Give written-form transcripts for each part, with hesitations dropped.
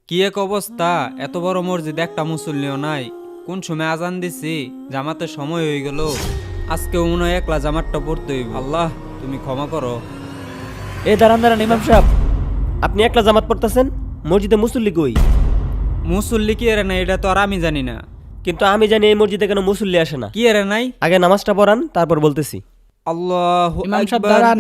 কি এক অবস্থা, এত বড় মসজিদ একটা মুসল্লিও নাই। কোন সময় আজান দিছি, জামাতের সময় হয়ে গেল। আজকে মনে হয় একলা জামাতটা পড়তে হইব। আল্লাহ তুমি ক্ষমা করো। দাঁড়ান দাঁড়ান ইমাম সাহেব, আপনি একলা জামাত পড়তেছেন, মসজিদে মুসল্লি কই? মুসল্লি কি এরে নাই এটা তো আর আমি জানি না। কিন্তু আমি জানি এই মসজিদে কেন মুসল্লি আসে না। কি এরে নাই? আগে নামাজটা পড়ান, তারপর বলতেছি। আল্লাহু ইমাম সাহেব আকবার। দাঁড়ান।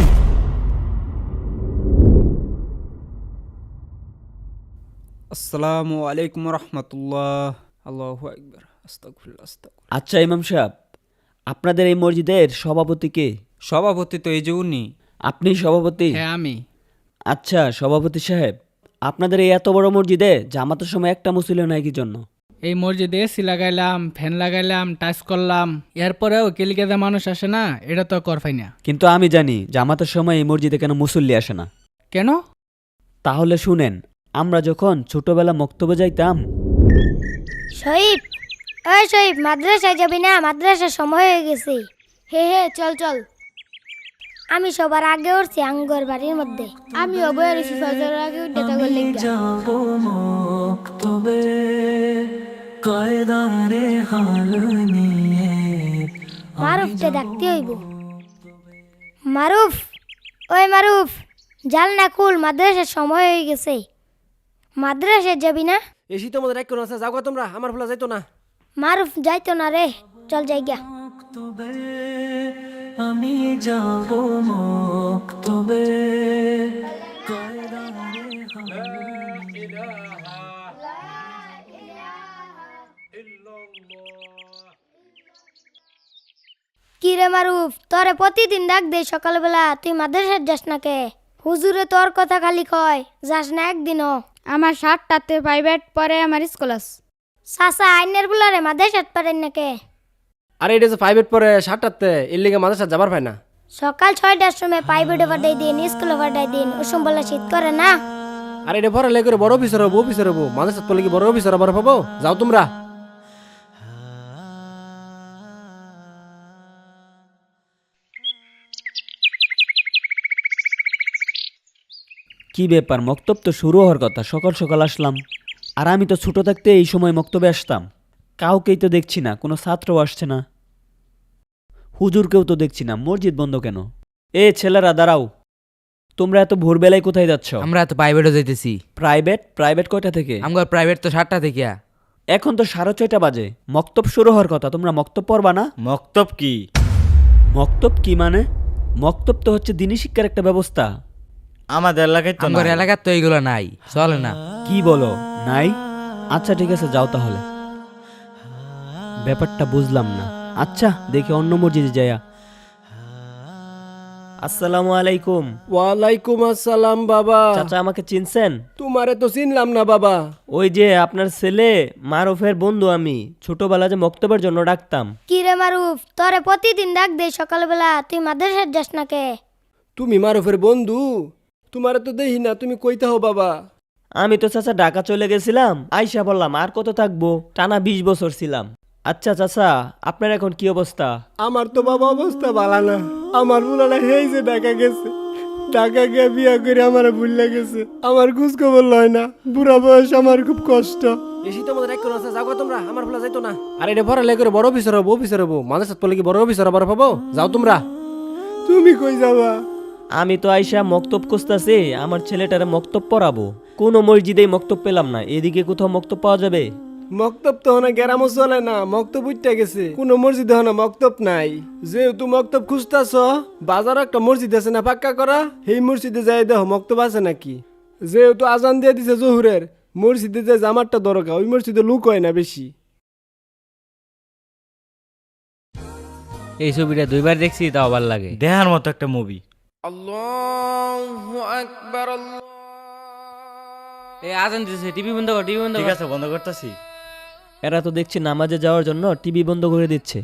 আসসালামু আলাইকুম রহমতুল্লাহ। আল্লাহু আকবার। আস্তাগফিরুল্লাহ আস্তাগফিরুল্লাহ। আচ্ছা ইমাম সাহেব, আপনাদের এই মসজিদের সভাপতি কে? সভাপতি তো এই যে উনি। আপনি সভাপতি? হ্যাঁ আমি। আচ্ছা সভাপতি সাহেব, আপনাদের এই এত বড় মসজিদে জামাতের সময় একটা মুসল্লি নাই কি জন্য? এই মসজিদে এসি লাগাইলাম, ফ্যান লাগাইলাম, টাচ করলাম, এরপরেও কেলিকেদা মানুষ আসে না, এটা তো কর পাই না। কিন্তু আমি জানি জামাতের সময় এই মসজিদে কেন মুসল্লি আসে না। কেন? তাহলে শুনেন, আমরা যখন ছোটবেলা মক্তবে যাইতাম। শহীদ, ওই শহীদ, মাদ্রাসায় যাবি না? মাদ্রাসার সময় হয়ে গেছে। হে হে, চল চল। আমি সবার আগে উঠছি আঙ্গর বাড়ির মধ্যে। আমি অবয়ের ফজরের আগে উঠে তখন লিখা যাবো মক্তবে কয়দারে হাল নিয়ে। মারুফকে ডাকতে হইব। মারুফ, ওই মারুফ, জাল না খুল, মাদ্রাসার সময় হয়ে গেছে। মাদ্রাসায় যাবি না? এসি তোমাদের এক কোন আছে, যাও তোমরা, আমার ভোলা যাইতো না। মারুফ যাইতো না রে, চল যাইগা। মক্তবে আমি যাবো মক্তবে কয়দারে হাল কি রে মারুফ, তোরে প্রতিদিন ডাক দে সকালবেলা, তুই মাদ্রাসায় যাস না কে? হুজুরে তোর কথা খালি কয়, যাস না একদিনও। আমার 7টাতে প্রাইভেট পরে আমার স্কুল আছে। সাসা আইনের বুলারে মাদ্রাসাত পারেন না কে? আরে এটা যে প্রাইভেট পরে 7টাতে, এর লিগে মাদ্রাসা যাবার পায় না। সকাল 6টার সময় প্রাইভেটে পাঠাই দিন, স্কুলে পাঠাই দিন, ওসম বলে শীত করে না। আরে এটা পরে লেগে বড় অফিসার হবো, অফিসার হবো, মাদ্রাসা পড়লে কি বড় অফিসার আবার পাবো? যাও তোমরা। কি ব্যাপার, মক্তব তো শুরু হওয়ার কথা, সকাল সকাল আসলাম। আর আমি তো ছোট থাকতে এই সময় মক্তবে আসতাম। কাউকেই তো দেখছি না, কোনো ছাত্রও আসছে না, হুজুরকেও তো দেখছি না। মসজিদ বন্ধ কেন? ছেলেরা দাঁড়াও, তোমরা এত ভোরবেলায় কোথায় যাচ্ছ? আমরা তো প্রাইভেটও যাইতেছি। প্রাইভেট? প্রাইভেট কয়টা থেকে? আমার প্রাইভেট তো 7টা থেকে। এখন তো 6:30 বাজে, মক্তব শুরু হওয়ার কথা, তোমরা মক্তব পড়বা না? মক্তব কি? মক্তব কি মানে? মক্তব তো হচ্ছে দিনী শিক্ষার একটা ব্যবস্থা। আমাদের এলাকায় তো আমার এলাকার তো এইগুলো নাই, চলে না। কি বলো, নাই? আচ্ছা ঠিক আছে, যাও তাহলে। ব্যাপারটা বুঝলাম না। আচ্ছা দেখি অন্য মসজিদে যায়া। আসসালামু আলাইকুম। ওয়ালাইকুম আসসালাম বাবা। চাচা আমাকে চিনছেন? তোমারে তো চিনলাম না বাবা। ওই যে আপনার ছেলে মারুফের বন্ধু আমি, ছোটবেলা যে মক্তবের জন্য ডাকতাম। কি রে মারুফ, তোরে প্রতিদিন ডাক দে সকালবেলা, তুই মাদ্রাসায় যাস না কে? তুমি মারুফের বন্ধু? তোমারে তো দেখি না, তুমি কইতে হো বাবা। আমি তো চাচা ঢাকা চলে গেছিলাম, আইসা বললাম আর কত থাকবো, টানা 20 বছর ছিলাম। আচ্ছা চাচা, আপনার এখন কি অবস্থা? আমার তো বাবা অবস্থা ভালো না। আমার বুলানা হেই যে ঢাকা গেছে, ঢাকা গিয়ে বিয়া করে আমার ভুলে গেছে। আমার খোঁজ খবর লয় না, বুড়া বয়স, আমার খুব কষ্ট। এসি তোমাদের এক কোন আছে, যাও তোমরা, আমার ভোলা যাইতো না। আর এটা পরে লেগে বড় অফিসার হবো, অফিসার হবো, মাদ্রাসা পড়লে কি বড় অফিসার আবার পাবো? যাও তোমরা। তুমি কই যাবা? আমি তো আইসা মক্তব খুঁজতাছি, আমার ছেলেটারে মক্তব পড়াবো। কোনো মসজিদেই মক্তব পেলাম না, এদিকে কোথাও মক্তব পাওয়া যাবে? মক্তব তো হনা গ্রামও চলে না, মক্তব উঠতে গেছে, কোন মসজিদে হনা মক্তব নাই। যেহেতু মক্তব খুঁজতাছ, বাজার একটা মসজিদ আছে না পাক্কা করা, সেই মসজিদে যাই দেখো মক্তব আছে নাকি। যেহেতু আজান দিয়ে দিছে জহুরের, মসজিদে যে জামারটা দরকার, ওই মসজিদে লুক হয় না বেশি। এই ছবিটা 2বার দেখছি, তাও ভালো লাগে। দেখার মতো একটা মুভি। এই আজান দিতেছে, টিভি বন্ধ কর, টিভি বন্ধ ঠিক কর। আছে, বন্ধ করতেছি। এরা তো দেখছি নামাজে যাওয়ার জন্য টিভি বন্ধ করে দিচ্ছে।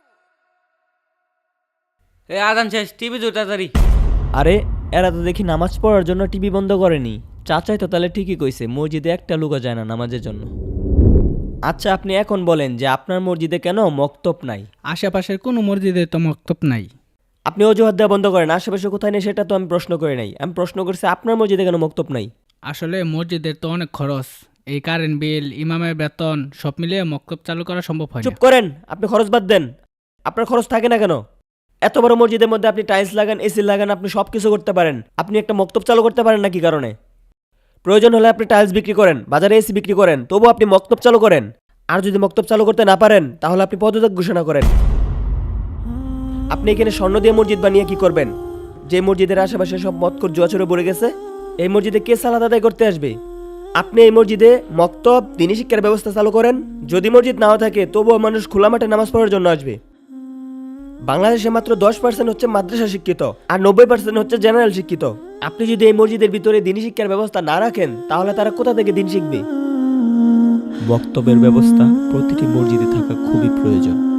এই আজান শেষ, টিভি দূর তাড়াতাড়ি। আরে এরা তো দেখি নামাজ পড়ার জন্য টিভি বন্ধ করেনি। চাচাই তো তাহলে ঠিকই কইছে, মসজিদে একটা লুকা যায় না নামাজের জন্য। আচ্ছা আপনি এখন বলেন যে আপনার মসজিদে কেন মক্তব নাই? আশেপাশের কোনো মসজিদে তো মক্তব নাই। আপনি অজুহাত দেওয়া বন্ধ করেন, আশেপাশে কোথায় নেই সেটা তো আমি প্রশ্ন করে নাই। আমি প্রশ্ন করছি আপনার মসজিদে কেন মক্তব নাই। আসলে মসজিদের তো অনেক খরচ, এই কারেন্ট বিল ইমামের বেতন সব মিলিয়ে মক্তব চালু করা সম্ভব হয় চুপ না। করেন, আপনি খরচ বাদ দেন। আপনার খরচ থাকে না কেন? এত বড় মসজিদের মধ্যে আপনি টাইলস লাগান, এসি লাগান, আপনি সব কিছু করতে পারেন। আপনি একটা মক্তব চালু করতে পারেন না কি কারণে? প্রয়োজন হলে আপনি টাইলস বিক্রি করেন, বাজারে এসি বিক্রি করেন, তবু আপনি মক্তব চালু করেন। আর যদি মক্তব চালু করতে না পারেন তাহলে আপনি পদত্যাগ ঘোষণা করেন। আপনি এখানে স্বর্ণ দিয়ে মসজিদ বানিয়ে কি করবেন? যে মসজিদের আশেপাশে সব মদখোর জুয়াচরে পড়ে গেছে, এই মসজিদে কে সালাত আদায় করতে আসবে? আপনি এই মসজিদে মক্তব, দিনী শিক্ষার ব্যবস্থা চালু করেন। যদি মসজিদ নাও থাকে তবুও মানুষ খোলা মাঠে নামাজ পড়ার জন্য আসবে। বাংলাদেশে মাত্র 10% হচ্ছে মাদ্রাসা শিক্ষিত, আর 90% হচ্ছে জেনারেল শিক্ষিত। আপনি যদি এই মসজিদের ভিতরে দিনী শিক্ষার ব্যবস্থা না রাখেন তাহলে তারা কোথা থেকে দিন শিখবে? বক্তব্যের ব্যবস্থা প্রতিটি মসজিদে থাকা খুবই প্রয়োজন।